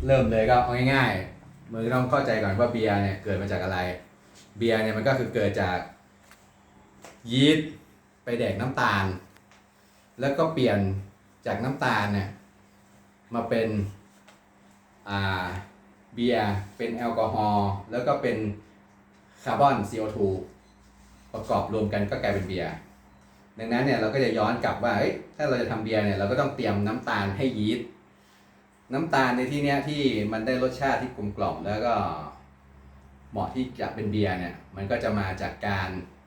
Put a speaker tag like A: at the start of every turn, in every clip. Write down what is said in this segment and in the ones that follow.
A: เริ่มเลยก็เอาง่ายๆมึงต้องเข้าใจก่อนว่าเบียร์เนี่ยเกิดมาจากอะไรเบียร์เนี่ยมันก็คือเกิดจากยีสต์ไปแดกน้ำตาลแล้วก็เปลี่ยนจากน้ำตาลเนี่ยมาเป็นเบียร์เป็นแอลกอฮอล์แล้วก็เป็นคาร์บอน CO2 ประกอบรวมกันก็กลายเป็นเบียร์ดังนั้นเนี่ยเราก็จะย้อนกลับว่าถ้าเราจะทำเบียร์เนี่ยเราก็ต้องเตรียมน้ำตาลให้ยีสต์น้ำตาลในที่เนี้ยที่มันได้รสชาติที่กลมกล่อมแล้วก็เหมาะที่จะเป็นเบียร์เนี่ยมันก็จะมาจากการ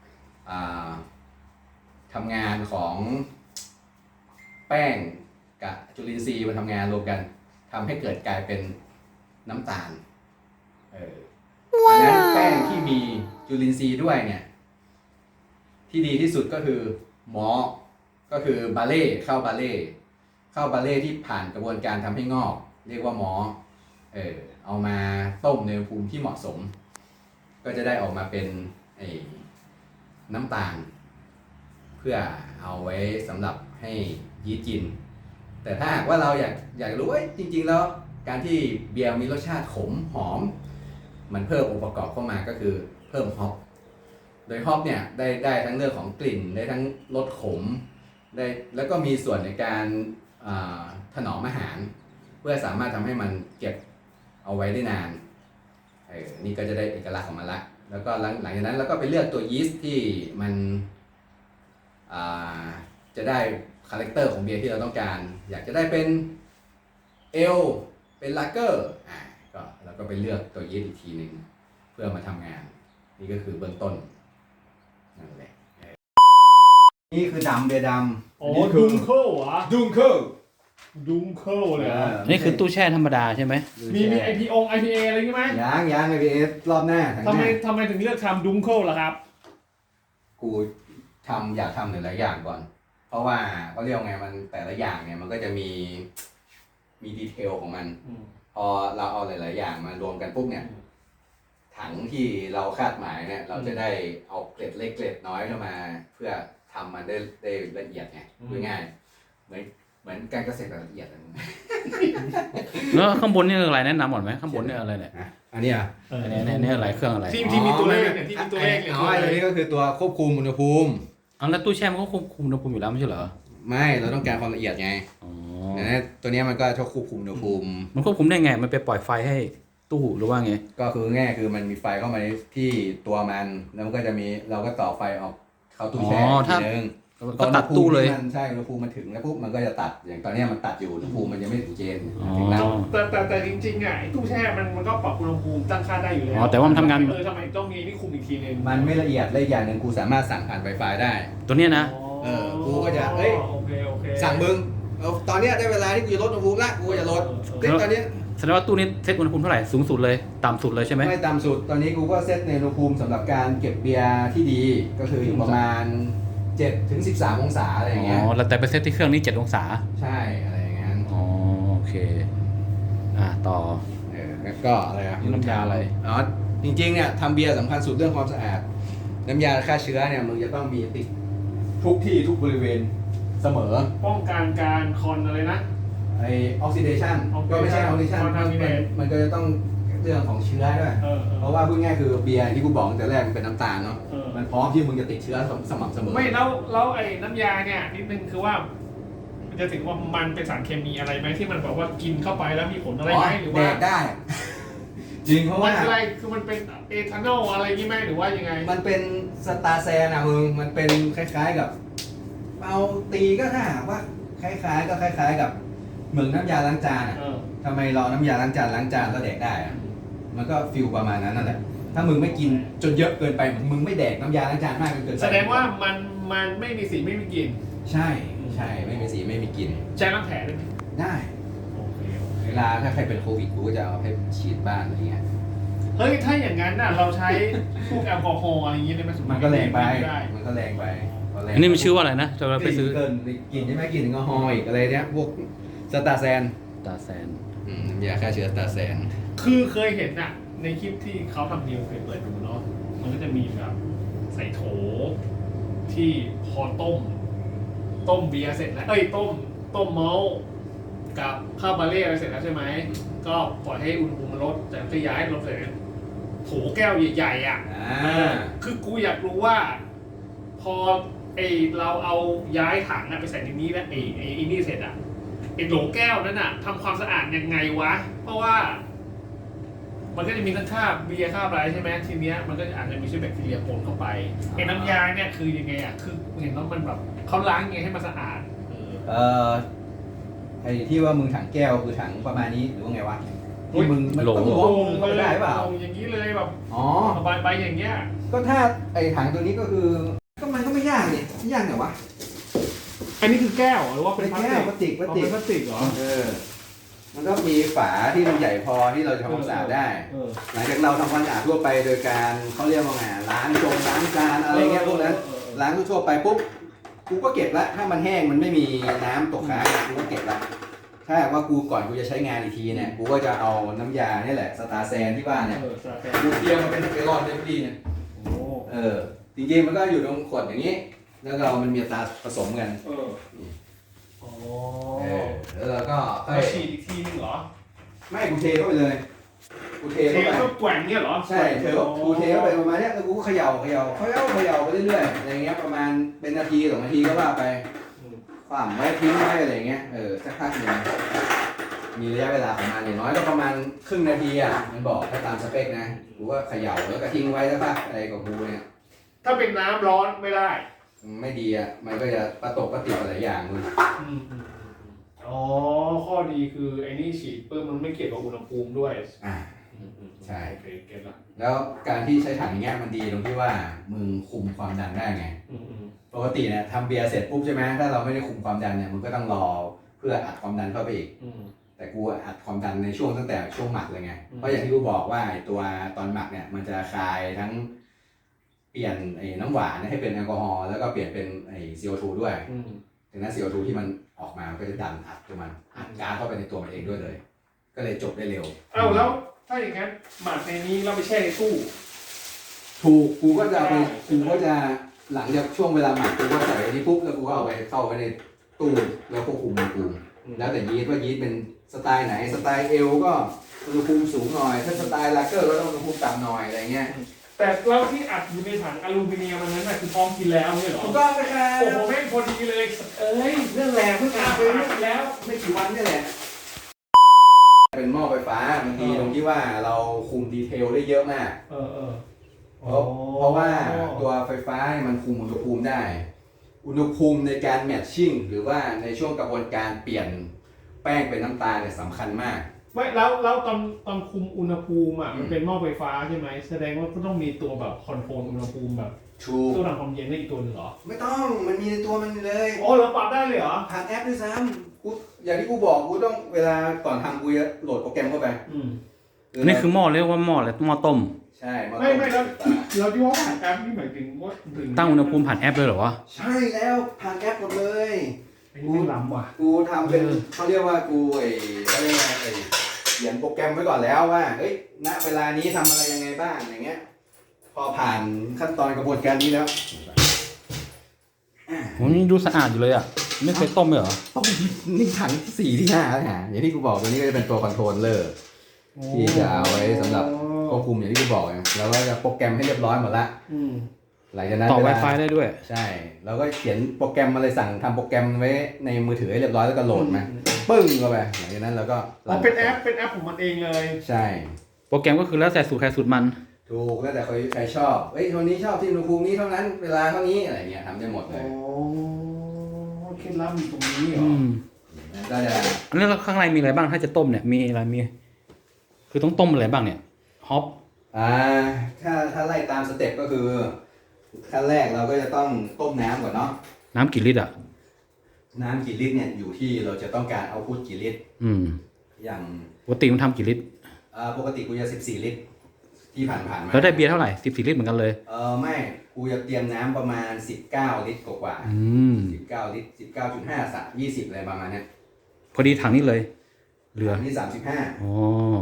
A: ทำงานของแป้งกับจุลินทรีย์มาทำงานรวมกันทำให้เกิดกลายเป็นน้ำตาลดังนั้นแป้งที่มีจุลินทรีย์ด้วยเนี่ยที่ดีที่สุดก็คือมอลต์ก็คือบาเล่ข้าวบาเล่ที่ผ่านกระบวนการทำให้งอกเรียกว่ามอลต์เอามาต้มในอุณหภูมิที่เหมาะสมก็จะได้ออกมาเป็นน้ำตาลเพื่อเอาไว้สำหรับให้ยีสต์กินแต่ถ้าหากว่าเราอยากรู้ว่าจริงๆแล้วการที่เบียร์มีรสชาติขมหอมมันเพิ่มองค์ประกอบเข้ามาก็คือเพิ่มฮอปโดยฮอปเนี่ยได้ทั้งเรื่องของกลิ่นได้ทั้งรสขมได้แล้วก็มีส่วนในการถนอมอาหารเพื่อสามารถทำให้มันเก็บเอาไว้ได้นานนี่ก็จะได้เอกลักษณ์ของมันละแล้วก็หลังจากนั้นเราก็ไปเลือกตัวยีสต์ที่มันจะได้คาแรคเตอร์ของเบียร์ที่เราต้องการอยากจะได้เป็นเอลเป็นลาเกอร์ก็เราก็ไปเลือกตัวยีสต์อีกทีหนึ่งเพื่อมาทำงานนี่ก็คือเบื้องต้นนั่นแหละนี่คือดำเบียร์ดำ
B: อ๋อดุงเคิลเหรอ
A: ดุงเคิล
B: เลย
C: นี่คือตู้แช่ธรรมดาใช่ไหม
B: มีIPA อะไรงี้ไหม
A: ยัง IPA รอบหน้า
B: ทำไมถึงเลือกทำดุงเคิลล่ะครับ
A: กูอยากทำหลายอย่างก่อนเพราะว่าเขาเรียกไงมันแต่ละอย่างเนี่ยมันก็จะมีดีเทลของมันพอเราเอาหลายๆอย่างมารวมกันปุ๊บเนี่ยถังที่เราคาดหมายเนี่ยเราจะได้เอาเกล็ดเล็กเกล็ดน้อยเข้ามาเพื่อทำมันได้ละเอียดไงง่ายเหมือนการเกษตรละเอียด
C: แล้วข้างบนนี่อะไรแนะนำก่อนไหมข้างบนนี่อะไรเนี่ย
A: อันนี้
C: นี่อะไรเครื่องอะไร
B: ที่มีตัวเลขเนี่ยที่มีตัวเลขเนี่ย
A: ตัวนี้ก็คือตัวควบคุมอุณหภูมิ
C: แล้วตู้แช่มันก็ควบคุมอุณหภูมิอยู่แล้วไม่ใช่เหรอ
A: ไม่เราต้องการความละเอียดไงตัวนี้มันก็ชอบควบคุมอุณหภูมิ
C: มันควบคุมได้ไงมันไปปล่อยไฟให้ตู้หรือว่าไง
A: ก็คือง่ายคือมันมีไฟเข้ามาที่ตัวมันแล้วมันก็จะมีเราก็ต่อไฟออกเข้าตู้แช่ทีนึง
C: ก็ตัดตู้เลย
A: ใช่อุณหภูมิมันถึงแล้วปุ๊บมันก็จะตัดอย่างตอนนี้มันตัดอยู่อุณหภูมิมันยังไม่ถึงเกณฑ์ถึงแล้ว
B: แต่จริงๆไงตู้แช่มันก็ปรับอุณหภูมิตั้งค่าได้อยู่แล้ว
C: แต่ว่ามันทำงาน
B: ทำไมต้องมีนี่คุมอีกทีนึง
A: มันไม่ละเอียดและอย่างหนึ่งกูสามารถสั่งผ่าน Wi-Fi ได้
C: ตัวนี้นะ
A: กูก็จะสั่งมึงตอนนี้ได้เวลาที่กูจะลดอุณหภูมิละกูจะลดตอนนี้
C: แสดงว่าตู้นี้เซตอุณหภูมิเท่าไหร่สูงสุดเลยต่ำสุดเลยใช่ไหม
A: ไม่ต่ำสุดตอนนี้กูก็เซตในอุณหภูมิสำหรับการเก็บเบียร์ที่ดีก็คืออยู่ประมาณ7 ถึง 13 องศาอะไรอย่างเงี้ย
C: แล้วแต่ไปเซตที่เครื่องนี้7 องศา
A: ใช่อะไรอย่างเงี้ย
C: โอเคต่อ
A: ก็อะไร
C: น้ำยาอะไร
A: จริงๆเนี่ยทำเบียร์สำคัญสุดเรื่องความสะอาดน้ำยาฆ่าเชื้อเนี่ยมึงจะต้องมีติดทุกที่ทุกบริเวณเสมอ
B: ป้องกันการคอนอะไรนะ
A: ออกซิเดชันก็ไม่ใช่ออกซิเดชันมันก็จะต้องเรื่องของเชื้อด้วยเพราะว่าพูดง่ายคือเบียร์ที่กูบอกตั้งแต่แรกมันเป็นน้ำตาลเนาะมันพร้อมที่มึงจะติดเชื้อสม่ำเสมอ
B: ไม่แล้วไอ้น้ำยาเนี่ยนิดนึงคือว่ามันจะถึงว่ามันเป็นสารเคมีอะไรไหมที่มันบอกว่ากินเข้าไปแล้วมีผลอะไรไหมหรือว่า
A: แดกได้จริงเพราะว่า
B: อะไรคือมันเป็นเอทานอลอะไรงี้ไหมหรือว่ายังไง
A: มันเป็นสตาร์แซนอะมึงมันเป็นคล้ายๆกับเอาตีก็ถ้าหากว่าคล้ายๆกับเหมือนน้ำยาล้างจานอะทำไมเราน้ำยาล้างจานแล้วแดกได้อะมันก็ฟิลประมาณนั้นนั่นแหละถ้ามึงไม่กินจนเยอะเกินไปมึงไม่แดกน้ำยาล้างจานมากเกินไป
B: แสดงว่ามันไม่มีสีไม่มีกลิ่น
A: ใช่ไม่มีสีไม่มีกลิ่น
B: ใช้ล้างแผลได้ไหม
A: ได้เวลาถ้าใครเป็นโควิดกูก็จะเอาให้ฉีดบ้านอะไรเงี้ย
B: เฮ้ยถ้าอย่างนั้นน่ะเราใช้พวกแอลกอฮอล์อะไรอย่างเงี้ยได้ไหม
A: มันก็แรงไป
C: อันนี้มันชื่อว่าอะไรนะจะไปซื้อ
A: เกินกลิ่นใช่ไหมกลิ่นแอลกอฮอล์อีกอะไรเนี้ยพวกสตาร์แซนน้ำยาฆ่าเชื้อสตาร์แซน
B: คือเคยเห็นน่ะในคลิปที่เขาทำนิวเคยเปิดดูเนาะมันก็จะมีแบบใส่โถที่พอต้มเบียร์เสร็จแล้วต้มเมาส์กับข้าวบาเล่อะไรเสร็จแล้วใช่ไหมก็ปล่อยให้อุณหภูมิมันลดแต่ก็ย้ายลงเสร็จโถแก้วใหญ่ๆอ่ะคือกูอยากรู้ว่า พอเราเอาย้ายถังไปใส่ในนี้แล้วนี่เสร็จอ่ะโหลแก้วนั้นอ่ะทำความสะอาดยังไงวะเพราะว่ามันก็จะมีทั้งคราบเบียร์คราบอะไรใช่ไหมทีเนี้ยมันก็อาจจะมีเชื้อแบคทีเรียปนเข้าไปน้ำยาเนี่ยคือยังไงอ่ะคือเห็นว่ามันแบบเขาล้างยังไงให้มันสะอาด
A: ไอ้ที่ว่ามึงถังแก้วคือถังประมาณนี้หรือว่าไงวะที่มึงมันต้องล้วงมึงเข้าไปได้เปล่า
B: อย่างนี้เลยแบบ
A: อ๋อ
B: ใบอย่างเงี้ย
A: ก็ถ้าไอ้ถังตัวนี้ก็คือก็มันก็ไม่ยากนี่ไม่ยากเหรอวะ
B: อันนี้คือแก้วหรือว่าเป็น
A: แก้วพลาสติก
B: เป็นพลาสติกเหรอ
A: มันก็มีฝาที่มันใหญ่พอที่เราจะทำความสะอาดได้หลังจากเราทำความสะอาดทั่วไปโดยการเขาเรียกว่าไงล้างจานอะไรเงี้ยพวกนั้นล้างทั่วไปปุ๊บกูก็เก็บละถ้ามันแห้งมันไม่มีน้ำตกค้างกูก็เก็บละถ้าว่ากูก่อนกูจะใช้งานอีกทีเนี่ยกูก็จะเอาน้ำยาเนี่ยแหละสตาร์แซนที่บ้านเนี่ยกูเตรียมมาเป็นเกลอนได้พอดีเนี่ยจริงๆมันก็อยู่ตรงขวดอย่างนี้แล้วเรามันมีตาผสมกันแล้วเราก็
B: ฉีดอีกทีนึงเหรอ
A: ไม่กูเทเข้าไปเลยกูเทเข้าไป
B: ก็แกว่งเนี่ยเหรอ
A: ใช่กูเทเข้าไปประมาณเนี้ยแล้วกูก็เขย่าไปเรื่อยๆอะไรเงี้ยประมาณเป็นนาที2 นาทีก็ว่าไปความไว้ทิ้งไว้อะไรเงี้ยสักพักหนึ่งมีระยะเวลาประมาณอย่างน้อยก็ประมาณครึ่งนาทีอ่ะมันบอกถ้าตามสเปคนะกูก็เขย่าแล้วก็ทิ้งไว้สักพักอะไรกับกูเนี่ย
B: ถ้าเป็นน้ำร้อนไม่ได้
A: ไม่ดีอ่ะมันก็จะประตกประติดหลายอย่างเลย
B: ข้อดีคือไอ้นี่ฉีดปุ๊บมันไม่เกี่ยวกับอุณหภูมิด้วย
A: ใช่แล้วการที่ใช้ถังอย่างเงี้ยมันดีตรงที่ว่ามึงคุมความดันได้ไงปกติเนี่ยทำเบียร์เสร็จปุ๊บใช่ไหมถ้าเราไม่ได้คุมความดันเนี่ยมึงก็ต้องรอเพื่ออัดความดันเข้าไปอีกแต่กูอัดความดันในช่วงตั้งแต่ช่วงหมักเลยไงเพราะอย่างที่กูบอกว่าตัวตอนหมักเนี่ยมันจะคายทั้งเปลี่ยนน้ำหวานให้เป็นแอลกอฮอล์แล้วก็เปลี่ยนเป็นCO2 ด้วยดังนั้น CO2 ที่มันออกมาก็จะดันอัดตัวมันอัดก๊าซเข้าไปในตัวมันเองด้วยเลยก็เลยจบได้เร็ว
B: แล้วถ้าอย่างนั้นหมักในนี้เราไปแช่ในตู้
A: ถูกกูก็จะหลังจากช่วงเวลาหมักกูก็ใส่ในนี้ปุ๊บแล้วกูก็เอาไปเข้าไว้ในตู้แล้วควบคุมอุณหภูมิแล้วแต่ยีสต์ว่ายีสต์เป็นสไตล์ไหนสไตล์เอลก็อุณหภูมิสูงหน่อยถ้าสไตล์ลาเกอร์ก็ต้องอุณหภูมิต่ำหน่อยอะไรเงี้ย
B: แต่เราที่อัดอยู่ในถังอลูมิเนียมมันนั้นคือพร้อมกินแล้วเนี่ยหรอ
A: ถูกต้องไหมครับ
B: โอ้โหแม่งพอดีเลย
A: เรื่องแรงเพิ่งอาบไปแล้วไม่กี่วันนี่แหละเป็นหม้อไฟฟ้าบางทีตรงที่ว่าเราคุมดีเทลได้เยอะมากเพราะว่าตัวไฟฟ้ามันคุมอุณหภูมิได้อุณหภูมิในการแมทชิ่งหรือว่าในช่วงกระบวนการเปลี่ยนแป้งเป็นน้ำตาลเนี่ยสำคัญมาก
B: ไม่แล้วตอนคุมอุณหภูมิมันเป็นหม้อไฟฟ้าใช่ไหมแสดงว่าก็ต้องมีตัวแบบคอนโทรลอุณหภูมิแบบตัวทำความเย็นได้อีกตัวหนึ่งเหรอ
A: ไม่ต้องมันมีในตัวมันเลย
B: เราปรับได้เลยเหรอ
A: ผ่านแอปด้วยซ้ำกูอย่างที่กูบอกกูต้องเวลาก่อนทำกูจะโหลดโปรแกรมเข้าไป
C: นี่คือหม้อเรียกว่าหม้ออะไรหม้อต้ม
A: ใช่
B: ไม่แล้วเราที่ว่าผ่านแอปนี่หมายถึงว่า
C: ตั้งอุณหภูมิผ่านแอปเลยเหรอวะ
A: ใช่แล้วผ่านแอปหมดเลย
B: กูล้ำว่ะ
A: กูทำเป็นเขาเรียกว่ากูเขาเรียกว่าเขียนโปรแกรมไว้ก่อนแล้วว่าเฮ้ยณเวลานี้ทำอะไรยังไงบ้างอย่างเงี้ยพอผ่านขั้นตอนกระบวนการนี้แล้ว
C: ผมนี่ดูสะอาดอยู่เลยอ่ะไม่เคยต้มเลยเหรอ
A: ต้มนี่ถังที่4 ที่ 5แล้วฮะอย่างที่กูบอกตัวนี้ก็จะเป็นตัวคอนโทรลเลอร์ที่จะเอาไว้สำหรับควบคุมอย่างที่กูบอกแล้วก็จะโปรแกรมให้เรียบร้อยหมดละหลังจากนั้น
C: ต่อ Wi-Fi ได้ด้วย
A: ใช่แล้วก็เขียนโปรแกรมอะไรสั่งทำโปรแกรมไว้ในมือถือให้เรียบร้อยแล้วก็โหลดมาปึ้งเข้าไปหลังจากนั้นเราก็
B: เป็นแอปของมันเองเลย
A: ใช่
C: โปรแกรมก็คือแล้วแต่สูตรใครสูตรมัน
A: ถูกแล้วแต่ใครชอบคนนี้ชอบที่อุณหภูมินี้เท่านั้นเวลาเท่านี้อะไรเงี้ยทำได้หมดเลย
B: เคล็ดลับอยู่ตรงนี้เหรอ
A: ก็จะ
C: อันนี้ข้างในมีอะไรบ้างถ้าจะต้มเนี่ยมีอะไรคือต้องต้มอะไรบ้างเนี่ยฮอป
A: ถ้าไล่ตามสเต็ปก็คือขั้นแรกเราก็จะต้องต้มน้ำก่อนเนาะ
C: น้ำกี่ลิตรอ่ะ
A: น้ำกี่ลิตรเนี่ยอยู่ที่เราจะต้องการเอาพุทกี่ลิตรอย่าง
C: ปกติมันทำกี่ลิตร
A: ปกติกูจะ14 ลิตรที่ผ่านมา
C: แล้วได้เบียร์เท่าไหร่14 ลิตรเหมือนกันเลย
A: ไม่กูจะเตรียมน้ำประมาณ19 ลิตรกว่า19 ลิตร 19.5 20อะไรประมาณนี้
C: พอดีถังนี้เลยเหลือ
A: นี่35
C: อ๋อ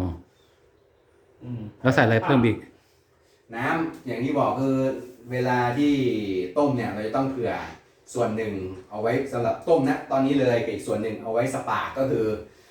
C: แล้วใส่อะไรเพิ่มอีก
A: น้ำอย่างที่บอกคือเวลาที่ต้มเนี่ยเราจะต้องเผื่อส่วนหนึ่งเอาไว้สำหรับต้มนะตอนนี้เลยอีกส่วนหนึ่งเอาไว้สปาร์กก็คือ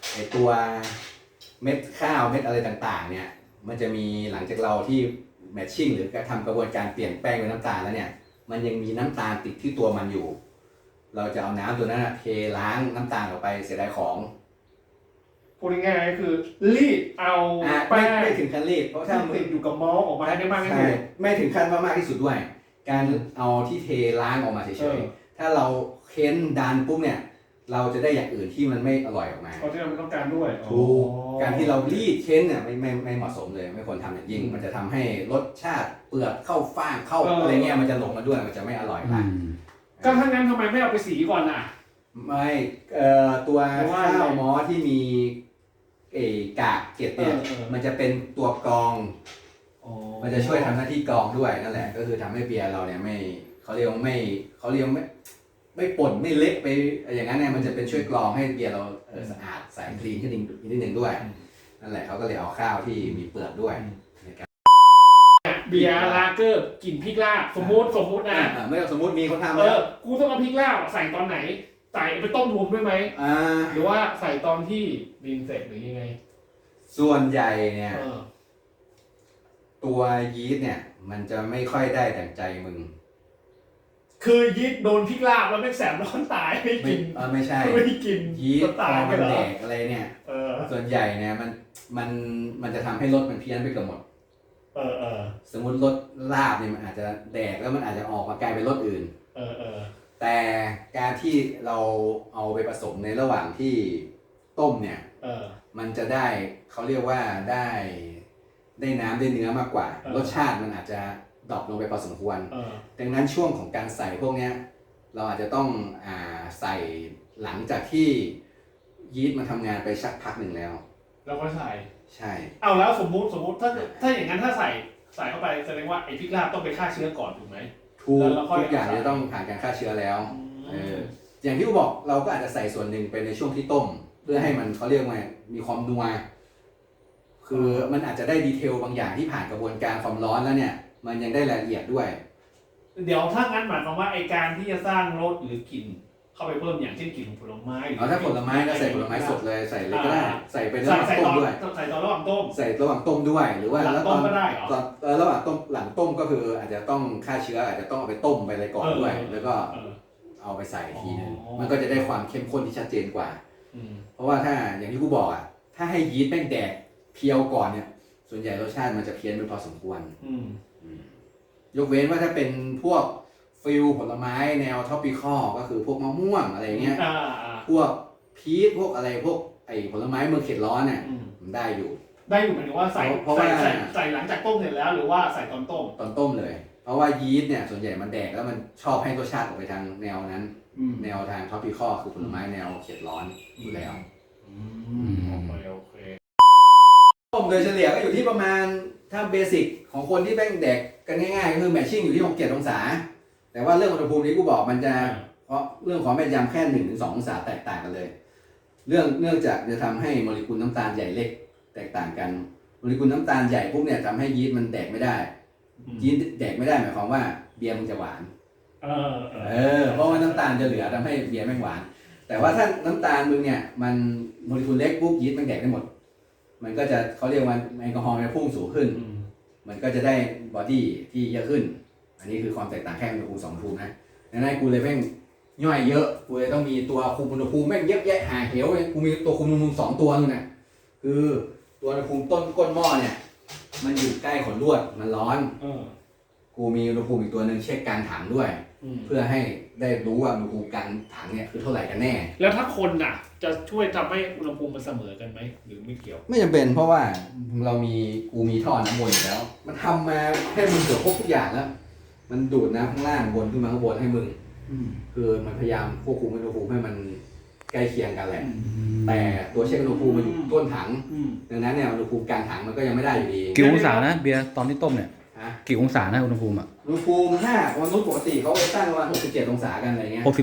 A: ไอตัวเม็ดข้าวเม็ดอะไรต่างๆเนี่ยมันจะมีหลังจากเราที่แมทชิ่งหรือทำกระบวนการเปลี่ยนแป้งเป็นน้ำตาลแล้วเนี่ยมันยังมีน้ำตาลติดที่ตัวมันอยู่ เราจะเอาน้ำตัวนั้นเทล้างน้ำตาลออกไปเสียดายของ
B: พูดง่ายๆก็คือรีดเอาแป้ง
A: ไม่ถึงขั้นรีดเพราะถ้า
B: ที่ติดอยู่กับมอลต์ออกมาให้ได้มากที่สุด
A: ไม่ถึงขั้นว่ามากที่สุดด้วย การเอาที่เทล้างออกมาเฉยๆถ้าเราเค้นดันปุ๊บเนี่ยเราจะได้อย่างอื่นที่มันไม่อร่อยออกมา
B: เพราะที่เราไม่ต้องการด้วย
A: ถูกการที่เรารีดเค้นเนี่ยไม่เหมาะสมเลยไม่ควรทำอย่างยิ่ง มันจะทำให้รสชาติเปลือกเข้าฟ่างเข้าอะไรเงี้ยมันจะลงมาด้วยมันจะไม่อร่อยละ
B: ก็ถ้างั้นทำไมไม่เอาไปสีก่อนอ่ะ
A: ไม่ตัวข้าวมอที่มีกากเกล็ดเนี่ยมันจะเป็นตัวกรอง มันจะช่วยทำหน้าที่กรองด้วยนั่นแหละก็คือทำให้เบียร์เราเนี่ยไม่เขาเรียกว่าไม่ป่นไม่เละไปอย่างนั้นเนี่ยมันจะเป็นช่วยกรองให้เบียร์เราสะอาดใสคลีนขึ้นอีกนิดนึงด้วยนั่นแหละเขาก็เลยเอาข้าวที่มีเปลือกด้วยนะครับ
B: เบียร์ลาเกอร์กลิ่นพริกลาบสมมตินะ
A: ไม่ต้องสมมติมีคนทำแล้ว
B: กูต้องเอาพริกลาบใส่ตอนไหนใส่ไปต้มรวมด้วยไหมหรือว่าใส่ตอนที่ดินเสร็จหรือยังไง
A: ส่วนใหญ่เนี่ยตัวยีสต์เนี่ยมันจะไม่ค่อยได้ดั่งใจมึง
B: คือยีสต์โดนพริกลาบแล้วไม่แสบร้อนตายไม่กิน
A: ไม่ใช่
B: ไม่กิน
A: ยีสต์พ
B: ตา
A: อย
B: ไป
A: มัน
B: เหรอ
A: แดกอะไรเนี่ยส่วนใหญ่เนี่ยมันจะทำให้รสมันเพี้ยนไปเกือบหมดสมมติรสลาบเนี่ยมันอาจจะแดกแล้วมันอาจจะออกมากลายเป็นรสอื่นแต่การที่เราเอาไปผสมในระหว่างที่ต้มเนี่ยมันจะได้เขาเรียกว่าได้น้ำได้เนื้อมากกว่ารสชาติมันอาจจะดรอปลงไปพอสมควรดังนั้นช่วงของการใส่พวกเนี้ยเราอาจจะต้องใส่หลังจากที่ยีสต์มันทำงานไปสักพักหนึ่งแล้ว
B: แล้วก็ใส่
A: ใช่
B: เอาแล้วสมมุติถ้าอย่างนั้นถ้าใส่เข้าไปแสดงว่าไอ้พริกลาบต้องไปฆ่าเชื้อก่อนถูกไหม
A: ทุกอย่างจะต้องผ่านการฆ่าเชื้อแล้วอย่างที่กูบอกเราก็อาจจะใส่ส่วนหนึ่งไปในช่วงที่ต้มเพื่อให้มันเขาเรียกว่ามีความนัวคือมันอาจจะได้ดีเทลบางอย่างที่ผ่านกระบวนการความร้อนแล้วเนี่ยมันยังได้รายละเอียดด้วย
B: เดี๋ยวถ้างั้นหมายความว่าไอการที่จะสร้างรสหรือกลิ่นเข้าไปเพิ่มอย่างเช่นกลิ่นผลไม้
A: ถ้าผลไม้ก็ใส่ผลไม้สดเลยใส่เลยก็ได้ใส่เป็นระหว่างต้มด้วย
B: ใส่ตอนระหว่างต้ม
A: ใส่ระหว่างต้มด้วยหรือว่า
B: หลังต้มก็ได้เหรอ
A: ระหว่างต้มหลังต้มก็คืออาจจะต้องฆ่าเชื้ออาจจะต้องเอาไปต้มไปอะไรก่อนด้วยแล้วก็เอาไปใส่ทีนึงมันก็จะได้ความเข้มข้นที่ชัดเจนกว่าเพราะว่าถ้าอย่างที่กูบอกถ้าให้ยีสต์แป้งแดกเพียวก่อนเนี่ยส่วนใหญ่รสชาติมันจะเพี้ยนไปพอสมควรยกเว้นว่าถ้าเป็นพวกฟิลผลไม้แนวท็อปปิคอลก็คือพวกมะม่วงอะไรเงี้ยพวกพีชพวกอะไรพวกผลไม้เมืองเขตร้อนเนี่ยมันได้อยู่
B: หมายถึงว่าใส่หลังจากต้มเสร็จแล้วหรือว่าใส่ตอนต้ม
A: เลยเพราะว่ายีสต์เนี่ยส่วนใหญ่มันแดกแล้วมันชอบให้รสชาติออกไปทางแนวนั้นแนวทางท็อปปิคอลคือผลไม้แนวเขตร้อนอยู่แล้ว
B: โอเค
A: ต้มโดยเฉลี่ยก็อยู่ที่ประมาณถ้าเบสิกของคนที่แป้งแดกกันง่ายๆก็คือแมทชิ่งอยู่ที่6-7 องศาแต่ว่าเรื่องอุณหภูมินี้กูบอกมันจะเพราะเรื่องของแม่นยำแค่ 1-2 องศาแตกต่างกันเลยเนื่องจากจะทำให้โมเลกุลน้ำตาลใหญ่เล็กแตกต่างกันโมเลกุลน้ำตาลใหญ่พวกเนี่ยทำให้ยีสต์มันแดกไม่ได้ยีสต์แดกไม่ได้หมายความว่าเบียร์มันจะหวานเพราะว่าน้ำตาลจะเหลือทำให้เบียร์ไม่หวานแต่ว่าถ้าน้ำตาลมึงเนี่ยมันโมเลกุลเล็กปุ๊บยีสต์มันแดกได้หมดมันก็จะเขาเรียกว่าแอลกอฮอล์มันพุ่งสูงขึ้นมันก็จะได้บอดี้ที่เยอะขึ้นอันนี้คือความแตกต่างแค่อุณหภูมิ2 อุณหภูมินะดังนั้นกูเลยแม่งย่อยเยอะกูเลยต้องมีตัวคุมอุณหภูมิแม่งเยอะแยะหาเหวเลยกูมีตัวคุมอุณหภูมิ2 ตัวนึงนะคือตัวอุณหภูมิต้นก้นหม้อเนี่ยมันอยู่ใกล้ขนลวดมันร้อนกูมีอุณหภูมิอีกตัวนึงเช็คกลางถังด้วยเพื่อให้ได้รู้ว่าอุณหภูมิกลางถังเนี่ยคือเท่าไหร่กันแน่
B: แล้วถ้าคนน่ะจะช่วยทำให้อุณหภูมิมันเสมอกันไหมหรือไม่เกี่ยว
A: ไม่จำเป็นเพราะว่ากูมีท่อน้ำวนอยู่แล้วมันทำมาให้มึงเกือบครบทุกอย่างแล้วมันดูดน้ำข้างล่างวนขึ้นมาข้างบนให้มึงคือมันพยายามควบคุมอุณหภูมิให้มันใกล้เคียงกันแหละแต่ตัวเช็คอุณหภูมิมันอยู่ต้นถังดังนั้นเนี่ยอุณหภูมิกลางถังมันก็ยังไม่ได้อยู่ดี
C: กี่องศานะเบียร์ตอนที่ต้มเนี่ยกี่องศานะอุณหภูมิ
A: อุณหภูมิถ้ามนุษย์ปกติเขาไปตั้งประมาณ67 องศากันอะไรเงี้ย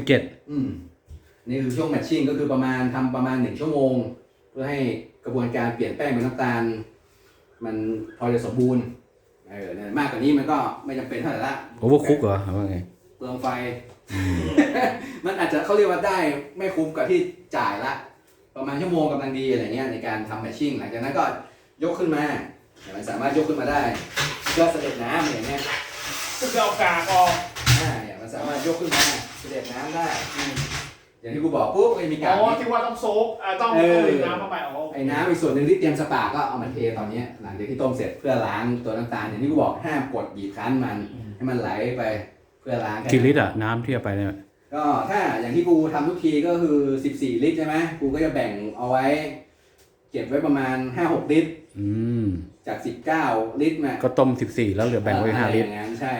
C: 67
A: นี่คือช่วงแมทชิ่งก็คือประมาณ1 ชั่วโมงเพื่อให้กระบวนการเปลี่ยนแป้งเป็นน้ำตาลมันพอจะสมบูรณ์มากกว่านี้มันก็ไม่จำเป็นเท่าไหร่ละ
C: โอเวอร์คุกเหรอว่าไง
A: เปลืองไฟมันอาจจะเขาเรียกว่าได้ไม่คุ้มกับที่จ่ายละประมาณชั่วโมงกำลังดีอะไรเงี้ยในการทำแมชชิ่งหลังจากนั้นก็ยกขึ้นมามันสามารถยกขึ้นมาได้ก็เสด็จน้ำอย่างเงี้ย
B: ก็คือเอากากออก
A: เนี่ยมันสามารถยกขึ้นมาเสด็จน้ำได้อย่างที่กูบอกปุ๊บก็มีกาก
B: ที่ว่าต้องโซกต้องดื่มน้ำเข้าไป
A: ไอ้น้ำอีกส่วนหนึ่งที่เตรียมสปาก็เอามาเทตอนนี้หลังจากที่ต้มเสร็จเพื่อล้างตัวน้ำตาลอย่างที่กูบอกห้ามกดบีบคั้นมันให้มันไหลไปเพื่อล้าง
C: กี่ลิตรอะน้ำที่เอาไปเนี่ย
A: ก็ถ้าอย่างที่กูทำทุกทีก็คือ14ลิตรใช่ไหมกูก็จะแบ่งเอาไว้เก็บไว้ประมาณ 5-6 ลิตรจาก19ลิตรมา
C: ก็ต้ม14แล้วเหลือแบ่งไว้5ลิตร
A: อย่างนั้นใช่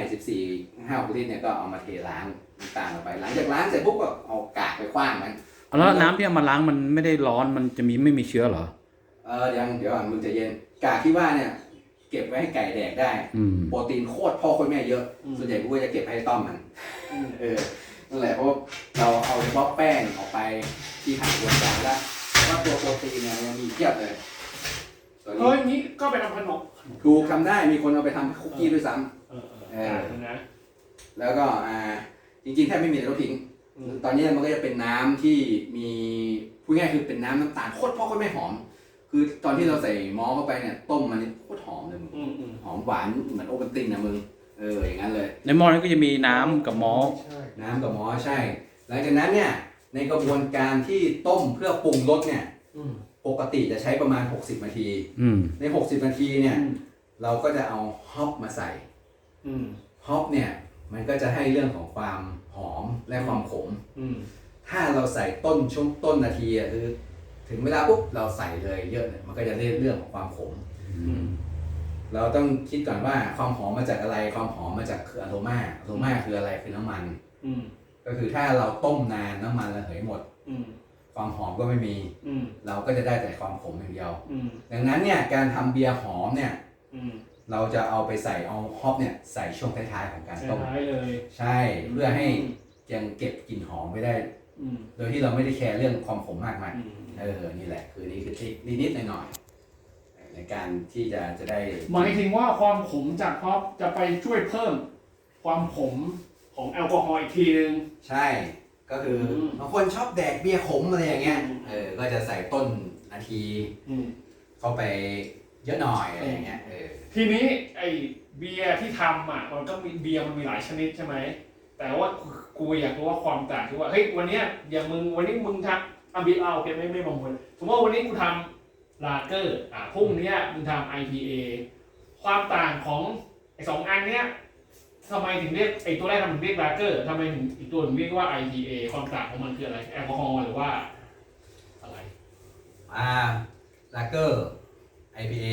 A: 14 5-6ลิตรเนี่ยก็เอามาเทล้างน้ำตาลออกไปหลังจากล้างเสร็จปุ๊บก็เอากากไปขว้างมัน
C: แล้วน้ำที่เอามาล้างมันไม่ได้ร้อนมันจะไม่มีเชื้อเหรอ
A: เดี๋ยวก่อนมึงจะเย็นกากที่ว่าเนี่ยเก็บไว้ให้ไก่แดกได้โปรตีนโคตรพ่อโคตรแม่เยอะส่วนใหญ่กูก็จะเก็บให้ต้อมมันนั่นแหละเพราะเราเอาเฉพาะแป้งออกไปที่ผ่านกระบวนการแล้วแต่ว่าตัวโปรตีนเนี่ยยังมีเทียบเลย
B: นี้ก็ไปทำขนม
A: ถูกทำได้มีคนเอาไปทำคุกกี้ด้วยซ้ำ
B: นะ
A: แล้วก็จริงๆแทบไม่มีอะไรต้องทิ้งตอนนี้มันก็จะเป็นน้ำที่มีพูดง่ายคือเป็นน้ำตาลโคตรพ่อโคตรแม่หอมคือตอนที่เราใส่มอลเข้าไปเนี่ยต้มมันโคตรหอมเลยมึงหอมหวานเหมือนโอเปนตินนะมึงอย่างนั้นเลย
C: ในหม้อนั้นก็จะมีน้ำกับมอล
A: น้ำกับมอลใช่หลังจากนั้นเนี่ยในกระบวนการที่ต้มเพื่อปรุงรสเนี่ยปกติจะใช้ประมาณ60นาทีใน60นาทีเนี่ยเราก็จะเอาฮอปมาใส่ฮอปเนี่ยมันก็จะให้เรื่องของความหอมและความขมถ้าเราใส่ช่วงต้นนาทีคือถึงเวลาปุ๊บเราใส่เลยเยอะเนี่ยมันก็จะได้เรื่องของความขมเราต้องคิดก่อนว่าความหอมมาจากอะไรความหอมมาจากคืออะโรมาคืออะไรคือน้ำมันก็คือถ้าเราต้มนานน้ำมันระเหยหมดความหอมก็ไม่มีเราก็จะได้แต่ความขมอย่างเดียวดังนั้นเนี่ยการทำเบียร์หอมเนี่ยเราจะเอาไปใส่เอาฮอปเนี่ยใส่ช่วงท้ายๆของการต้ม
B: เลย
A: ใช่เพื่อให้ยังเก็บกลิ่นหอมไว้ได้โดยที่เราไม่ได้แคร์เรื่องความขมมากมายนี่แหละคือนี่คือทริคนิดๆหน่อยๆในการที่จะได้
B: หมายถึงว่าความขมจากฮอปจะไปช่วยเพิ่มความขมของแอลกอฮอล์อีกทีนึง
A: ใช่ก็คือบางคนชอบแดกเบียร์ขมอะไรอย่างเงี้ยก็จะใส่ต้นนาทีเข้าไปเยอะหน่อยอะไรอย่างเงี้ย
B: ทีนี้ไอเบียร์ที่ทำมันก็มีเบียร์มันมีหลายชนิดใช่ไหมแต่ว่ากูอยากรู้ว่าความต่างคือว่าเฮ้ยวันนี้อย่างวันนี้มึงทำเบียร์โอเคไม่บางคนสมมติว่าวันนี้กูทำลาเกอร์พรุ่งนี้มึงทำ IPA ความต่างของไอ2อันเนี้ยทำไมถึงเรียกไอตัวแรกทำไมถึงเรียกลาเกอร์ทำไมถึงอีกตัวถึงเรียกว่า IPA ความต่างของมันคืออะไรแอลกอฮอล์หรือว่าอะไร
A: ลาเกอร์ IPA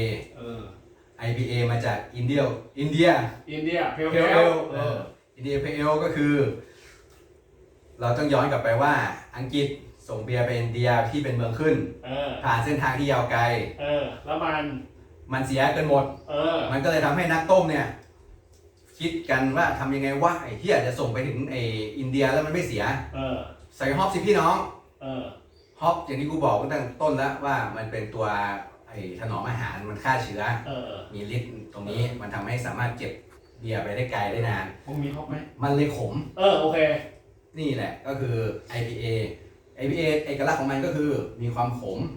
A: IPA มาจากอินเดียเพลอินเดียเพลก็คือเราต้องย้อนกลับไปว่าอังกฤษส่งเบียร์ไปอินเดียที่เป็นเมืองขึ้นผ่านเส้นทางที่ยาวไกล
B: แล้ว
A: มันเสียเกินหมดมันก็เลยทำให้นักต้มเนี่ยคิดกันว่าทำยังไงว่าไอ้ที่อาจจะส่งไปถึงไอ้อินเดียแล้วมันไม่เสียใส่ฮอปสิพี่น้องฮอปอย่างที่กูบอกตั้งต้นแล้วว่ามันเป็นตัวถนอมอาหารมันฆ่าเชื้อมีฤทธิ์ตรงนี้มันทำให้สามารถเก็บเบียร์ไปได้ไกลได้นาน
B: มีฮอปไหม
A: มันเลยขม
B: โอเค
A: นี่แหละก็คือ IPA เอกลักษณ์ของมันก็คือมีความขม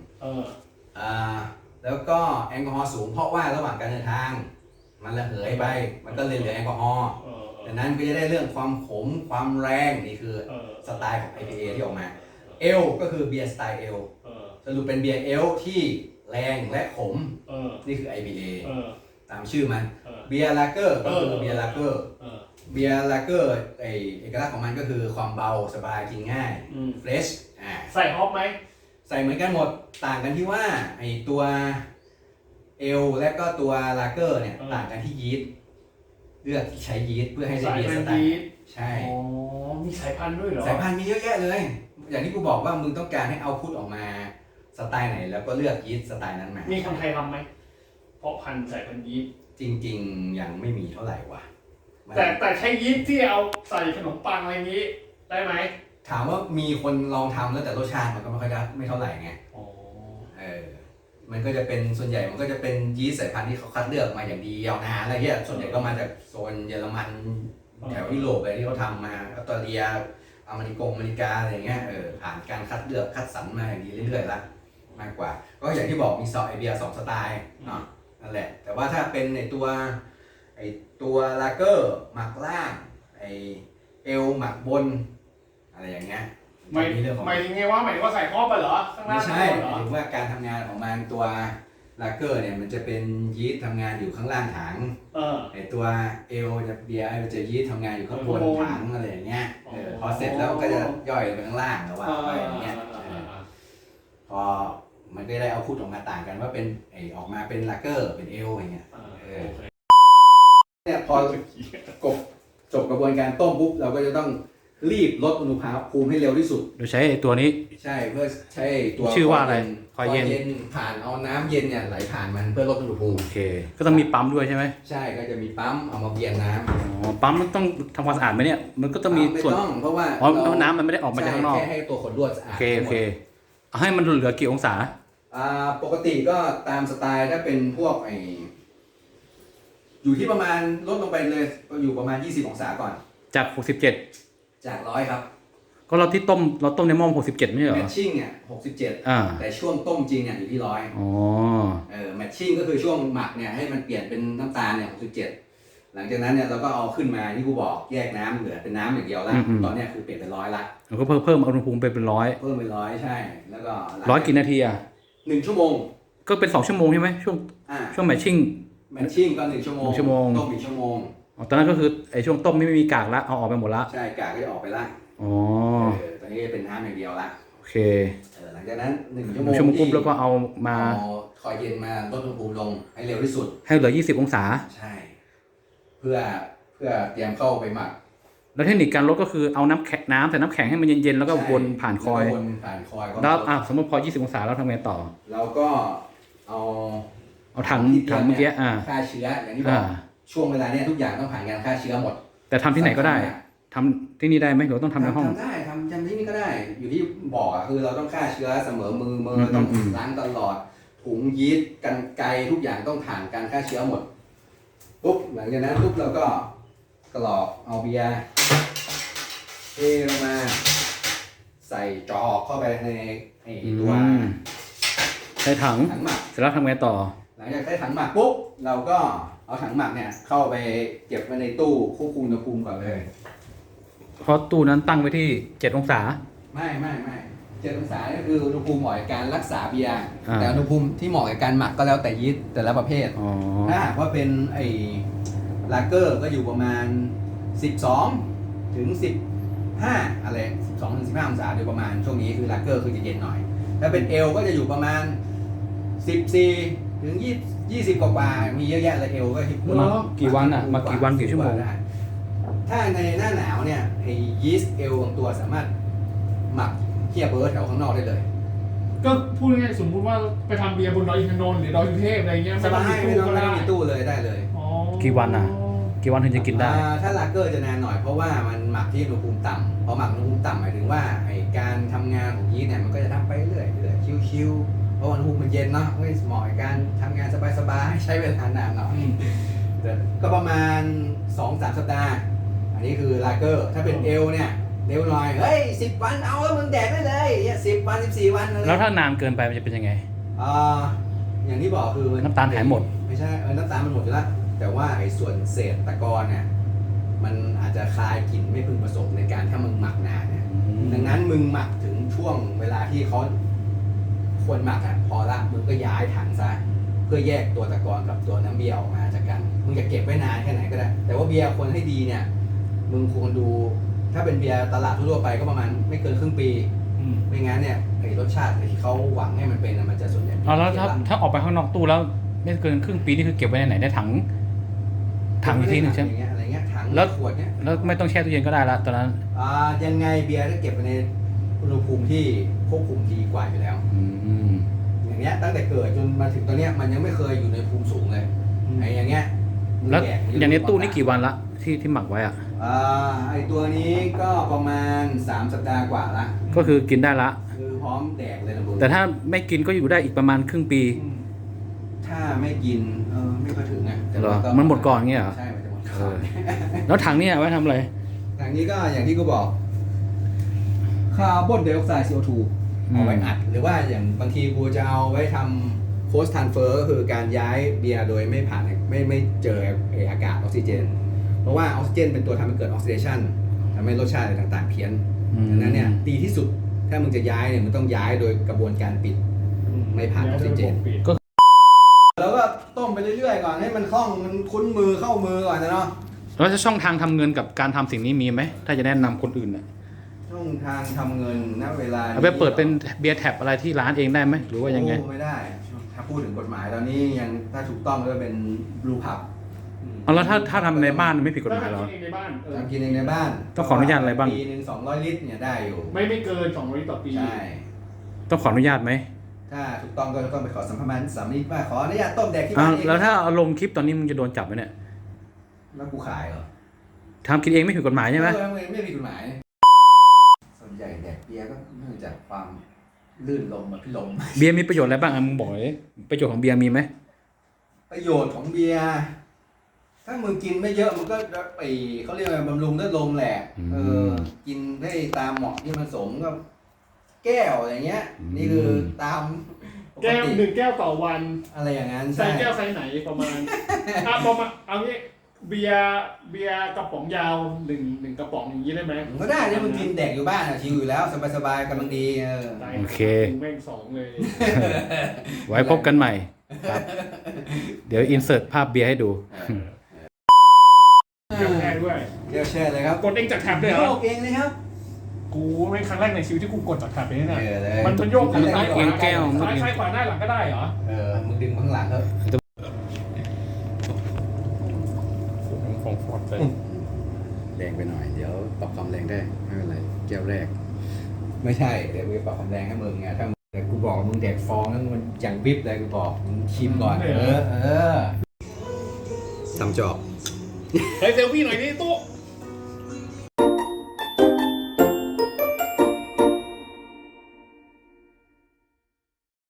A: แล้วก็แอลกอฮอล์สูงเพราะว่าระหว่างการเดินทางมันระเหยไปมันก็เลยเหลือแอลกอฮอล์ดังนั้นก็จะได้เรื่องความขมความแรงนี่คือสไตล์ของ IPA ที่ออกมาเอลก็คือเบียร์สไตล์เอลสรุปเป็นเบียร์เอลที่แรงและขมนี่คือ IPA ตามชื่อมันเบียร์ลาเกอร์ก็คือเบียร์ลาเกอร์เบียร์ลาเกอร์เอกลักษณ์ของมันก็คือความเบาสบายกินง่ายเฟรช
B: ใส่ฮอปไหม
A: ใส่เหมือนกันหมดต่างกันที่ว่าไอตัวเอลและก็ตัวลาเกอร์เนี่ยต่างกันที่ยีสต์เลือกใช้ยีสต์เพื่อให้ได้เบียร์สไตล์ใช่
B: มีสายพันธุ์ด้วยเหรอ
A: สายพันธุ์มีเยอะแยะเลยอย่างที่กูบอกว่ามึงต้องการให้เอาพุทออกมาสไตล์ไหนแล้วก็เลือกยีสต์สไตล์นั้นมา
B: มีคนไทยทำไหมเพราะพันธุ์สายพันธุ์ยีสต์
A: จริงๆยังไม่มีเท่าไหร่ว่ะ
B: แต่ใช้ยีสต์ที่เอาใส่ขนมปังอะไรนี้ได้ไหม
A: ถามว่ามีคนลองทำแล้วแต่รสชาติมันก็ไม่ค่อยได้ไม่เท่าไหร่ไงมันก็จะเป็นส่วนใหญ่มันก็จะเป็นยีสต์สายพันธุ์ที่เขาคัดเลือกมาอย่างดียาวนานอะไรเงี้ยส่วนใหญ่ก็มาจากโซนเยอรมันแถวยุโรปอะไรที่เขาทำมาออสเตรเลียอเมริกาอะไรเงี้ยผ่านการคัดเลือกคัดสรรมาอย่างดีเรื่อยๆละมากกว่า ก็อย่างที่บอกมีซอไอเบียร์2สไตล์เนาะนั่นแหละแต่ว่าถ้าเป็นในตัวลาเกอร์หมักล่างไอเอลหมักบนอะไรอย่างเงี้ย
B: หมายถึงไงว่าหมายถึงว่าใส่ครอบไปเหรอข้างล่า
A: ไม่
B: ง
A: ใช่
B: เหรอ
A: หมายถึงว่าการทำงานของมันตัวลาเกอร์เนี่ยมันจะเป็นยีสต์ทำงานอยู่ข้างล่างถังไอตัวเอลจะเบียร์มันจะยีสต์ทำงานอยู่ข้างบนถังอะไรอย่างเงี้ยพอเสร็จแล้วก็จะย่อยไปข้างล่างแล้วว่าไปอย่างเงี้ยพอมันก็ได้เอาพูดออกมาต่างกันว่าเป็นออกมาเป็นลาเกอร์เป็นเอลอย่างเงี้ยเนี่ยพจบกระบวนการต้มปุ๊บเราก็จะต้องรีบลดอุณหภูมิให้เร็วที่สุด
C: โดยใช้ไอ้ตัวนี้
A: ใช่เพื่อใช้ตัว
C: ชื่อว่าอะไรคอยเย็น
A: ผ่านเอาน้ำเย็นเนี่ยไหลผ่านมันเพื่อลดอุณหภูมิ
C: โอเคก็ต้องมีปั๊มด้วยใช่ไหม
A: ใช่ก็จะมีปั๊มเอามาเบียนน้ำ
C: อ๋อปั๊มมันต้องทำความสะอาดไหมเนี่ยมันก็ต้องมี
A: ไม่
C: ส่วน
A: ต้องเพราะว่า
C: อ๋อน้ำมันไม่ได้ออกมาจากข้างนอก
A: แค่ให้ตัวขดลวดสะอา
C: โอ
A: ด
C: เคโอเคเอาให้มันเหลือกี่องศา
A: ปกติก็ตามสไตล์ถ้าเป็นพวกอยู่ที่ประมาณลดลงไปเลยอยู่ประมาณ20องศาก่อน
C: จาก67
A: จาก100ครับ
C: ก็เราต้มในหม้อ67ไม่ใช่เหร
A: แม
C: อ
A: ทชิ่งเนี่ย67แต่ช่วงต้มจริงเนี่ยอยู่ที่100
C: อ๋อ
A: แมทชิ่งก็คือช่วงหมักเนี่ยให้มันเปลี่ยนเป็นน้ำตาลเนี่ย67หลังจากนั้นเนี่ยเราก็เอาขึ้นมาที่กูบอกแยกน้ำเหลือเป็นน้ำอย่างเดียวละตอนเนี้ยคือเปลี่ยนเป็น100ละ
C: เราก็เพิ่มอุณหภูมิไปเป็น100
A: เพิ่มเป็น100ใช่แล้วก็
C: 100กี่นาทีอ่ะ
A: 1ชั่วโมง
C: ก็เป็น2ชั่วโมงใช่ไหมช่วงแมทชิ่ง
A: ก็1ชั่วโมงต้มอีกชั่วโมง
C: ตอนนั้นก็คือไอ้ช่วงต้มไม่มีกากละเอาออกไปหมดละ
A: ใช่กากก็จะออกไปละ
C: อ๋อ
A: ตอนนี้เป็นน้ำอย่างเดียวละ
C: โอเค
A: หลังจากนั้น1ชั่วโมง
C: ปุ๊บแล้วก็เอามา
A: คอยเย็นมาลดอุณหภูมิลงให้เร็วที่สุด
C: ให้เหลือ20องศา
A: ใช่เพื่อเตรียมเข้าไปหมัก
C: แล้วเทคนิคการลดก็คือเอาน้ำใส่น้ำแข็งให้มันเย็นๆแล้วก็วนผ่านคอยแล้วสมมติพอ20องศาแล้วทำไงต่อ
A: เราก็เอา
C: ถังเมื่อกี้
A: ฆ่าเชื้ออย่างที่บอกช่วงเวลาเนี้ยทุกอย่างต้องผ่านการฆ่าเชื้อหมด
C: แต่ทำที่ไหนก็ได้ทำที่นี่ได้ไหมหรือต้องทำในห้อง
A: ทำได้ทำที่นี่ก็ได้อยู่ที่บอกคือเราต้องฆ่าเชื้อเสมอมือต้องล้างตลอดถุงยีสต์กรรไกรทุกอย่างต้องผ่านการฆ่าเชื้อหมดปุ๊บหลังจากนั้นปุ๊บเราก็กรอกเอาเบียร์เทลงมาใส่จอกเข้าไปในตัว
C: ใช้ถัง
A: หมัก
C: เสร็จแล้วทำไงต่อ
A: หลังจากใช้ถังหมักปุ๊บเราก็เอาถังหมักเนี่ยเข้าไปเก็บไว้ในตู้ควบคุมอุณหภูมิก่อนเลย
C: เพราะตู้นั้นตั้งไว้ที่7องศา
A: ไม่7องศาก็คืออุณหภูมิเหมาะกับการรักษาเบียร์แต่อุณหภูมิที่เหมาะกับการหมักก็แล้วแต่ยีสต์แต่ละประเภทถ้าหากว่าเป็นลาเกอร์ก็อยู่ประมาณ12ถึง15อะไร12ถึง15องศาโดยประมาณช่วงนี้คือลาเกอร์คือจะเย็นหน่อยถ้าเป็นเอลก็จะอยู่ประมาณ14ถึง20กว่ามีเยอะแยะเลยเอลก็
C: กี่วันอ่ะมากี่วันกี่ชั่วโมง
A: ถ้าในหน้าหนาวเนี่ยยีสต์เอลบางตัวสามารถหมักเทียบเบิร์ดแถวข้างนอกได้เลย
B: ก็พูดง่ายๆสมมติว่าไปทำเบียร์บนดอยอินทนนท์หรือดอยสุเทพอะไรเงี้ย
A: สบายไม่ต้องมีตู้เลยได้เลย
C: กี่วันอ่ะกี่วันถึงจะกินได้
A: ถ้าลาเกอร์จะนานหน่อยเพราะว่ามันหมักที่อุณหภูมิต่ำพอหมักอุณหภูมิต่ำหมายถึงว่าการทำงานของยีสต์เนี่ยมันก็จะทำไปเรื่อยชิวๆเพราะอุณหภูมิมันเย็นเนาะไม่เหมาะกับการทำงานสบายๆใช้เวลานานหน่อยก็ประมาณ 2-3 สัปดาห์อันนี้คือลาเกอร์ถ้าเป็นเอลเนี่ยเร็วหน่อยเฮ้ย10 วันเอาแล้วมึงแดกได้เลย10 วัน14 วันเลย
C: แล้วถ้านานเกินไปมันจะเป็นยังไง
A: อย่างที่บอกคือ
C: น้ำตาลหายหมด
A: ไม่ใช่น้ำตาลมันหมดอยู่แล้วแต่ว่าส่วนเศษตะกอนเนี่ยมันอาจจะคลายกลิ่นไม่พึงประสงค์ในการถ้ามึงหมักนานเนี่ยดังนั้นมึงหมักถึงช่วงเวลาที่เขาควรหมักพอละมึงก็ย้ายถังซะเพื่อแยกตัวตะกอนกับตัวน้ำเบียร์ออกมาจากกันมึงจะเก็บไว้นานแค่ไหนก็ได้แต่ว่าเบียร์ควรให้ดีเนี่ยมึงควรดูถ้าเป็นเบียร์ตลาดทั่วไปก็ประมาณไม่เกินครึ่งปีไม่งั้นเนี่ยรสชาติที่เขาหวังให้มันเป็นมันจะส่วนใหญ่
C: แล้วถ้าออกไปข้างนอกตู้แล้วไม่เกินครึ่งปีนี่คือเก็บไว้ในไหนได้ถังอีกทีหนึ่งใช่ไหม
A: อะไรเงี้ยถังขวดเนี้ย
C: แล้วไม่ต้องแช่ตู้เย็นก็ได้ละตอนนั้น
A: ยังไงเบียร์ถ้าเก็บไว้ในอุณหภูมิที่ควบคุมดีกว่าอยู่แล้วอย่างเงี้ยตั้งแต่เกิดจนมาถึงตอนเนี้ยมันยังไม่เคยอยู่ในภูมิสูงเลยอย่างเงี้ย
C: แล้วอย่างนี้ตู้นี่กี่วันละที่หมักไว้
A: ตัวนี้ก็ประมาณ3 สัปดาห์กว่าละ
C: ก็คือกินได้ละ
A: คือพร้อมแดกเลยนะ
C: แต่ถ้าไม่กินก็อยู่ได้อีกประมาณครึ่งปี
A: ถ้าไม่กินไม่ค่อยถึงนะ
C: มันหมดก่อนเงี้ยเหรอ
A: ใช่มันจะหมดก่อน
C: แล้วถังนี้ไว้ทำอะไร
A: ถังนี้ก็อย่างที่กูบอกคาร์บอนไดออกไซด์ CO2 เอาไว้อัดหรือว่าอย่างบางทีกูจะเอาไว้ทำ force transfer ก็คือการย้ายเบียร์โดยไม่ผ่านไม่เจออากาศออกซิเจน เพราะว่าออกซิเจนเป็นตัวทำให้เกิดออกซิเดชันทำให้รสชาติอะไรต่างๆเพี้ยนดังนั้นเนี่ยดีที่สุดถ้ามึงจะย้ายเนี่ยมึงต้องย้ายโดยกระบวนการปิดไม่ผ่านออกซิเจนแล้วก็ต้มไปเรื่อยๆก่อนให้มันคล่องมันคุ้นมือเข้ามือก่อนนะเนาะ
C: แล้วจะช่องทางทำเงินกับการทำสิ่งนี้มีไหมถ้าจะแนะนำคนอื่นน่ะ
A: ช่องทางทำเงินณเวลา
C: เอาไปเปิดเป็นเบียร์แท็บอะไรที่ร้านเองได้ไหมหรือว่ายังไง
A: โอ้ไม่ได้ถ้าพูดถึงกฎหมายตอนนี้ยังถ้าถูกต้องก็เป็นบลูพับ
C: เอาแล้วถ้าทำในบ้านไม่ผิดกฎหมายหรอ
B: ถ้ทำเองในบ้านเออ
A: ทำกินเองในบ้าน
C: ต้องขออนุญาตอะไรบ้าง
A: ปีนึง200 ลิตรเนี่ยได้อยู่
B: ไม่เกิน200ลิตรต่อปี
A: ใช่
C: ต้องขออนุญาตไหม
A: ถ้าถูกต้องก็ต้องไปขอสัมภาระสามีว่าขออนุญาตต้มแดกที่
C: อ้า
A: บ้า
C: วน
A: เอง
C: แล้วถ้าเอาลงคลิปตอนนี้มึงจะโดนจับไหมเนี่ย
A: แล้วกูขายเหรอ
C: ทำกินเองไม่ผิดกฎหมายใช่ไหม
A: ไม่มีกฎหมาย ส่วนใหญ่แดกเบียร์ก็เนื่องจากความลื่นลมอะพี่ลม
C: เบียร์มีประโยชน์อะไรบ้างอ่ะมึงบอกเลยประโยชน์ของเบียร์มีไหม
A: ประโยชน์ของเบียร์ถ้ามึงกินไม่เยอะมันก็ไปเขาเรียกว่าบำรุงเลือดลมแหละกินได้ตามเหมาะที่มันสมก็แก้วอะไรเงี้ย นี่คือตามป
B: แก้ว
A: ติ
B: 1 แก้วต่อวัน
A: อะไรอย่างนั้น
B: ใส่แก้วไซส์ไหนประมาณประมาณเอางี้เบียร์กระป๋องยาว1กระป๋องอย่างนี้ได้ไหม
A: ก็ได้เนี่ยมึงกินแดกอยู่บ้านอะชิลอยู่แล้วสบายๆกำลังดี
C: โอเค
B: แม่ง2เลย
C: ไว้พบกันใหม่ครับเดี๋ยวอินเสิร์ตภาพเบียร์ให้ดู
B: เดี๋ยวแช่ด้วย
A: เดี๋ยวแช่เลยครับ
B: กดเองจากแท็บเลยเหร
A: โย
B: อก
A: เองเลยครับ
B: กูเป็นครั้งแรกในชีวิตที่กูกดจากแท็บเลยเนี่ย
A: เลย
B: มันโยก
C: ซ้ายขวาแก้ว
B: ซ้ายขวาหน้าหลังก็ได้เหรอ
A: มึงดึงข้างหลังครับ
B: ของฟอร์ดเลย
A: แรงไปหน่อยเดี๋ยวปรับความแรงได้ไม่เป็นไรแก้วแรก ไม่ใช่เดี๋ยวกูปรับความแรงให้มึงไงถ้าแต่กูบอกมึงแดกฟองนั้นมันอย่างวิบเลยกูบอกมึงชิมก่อนทำจอบ
B: เฮ้ยเซลฟี่หน่อยนี่ตู้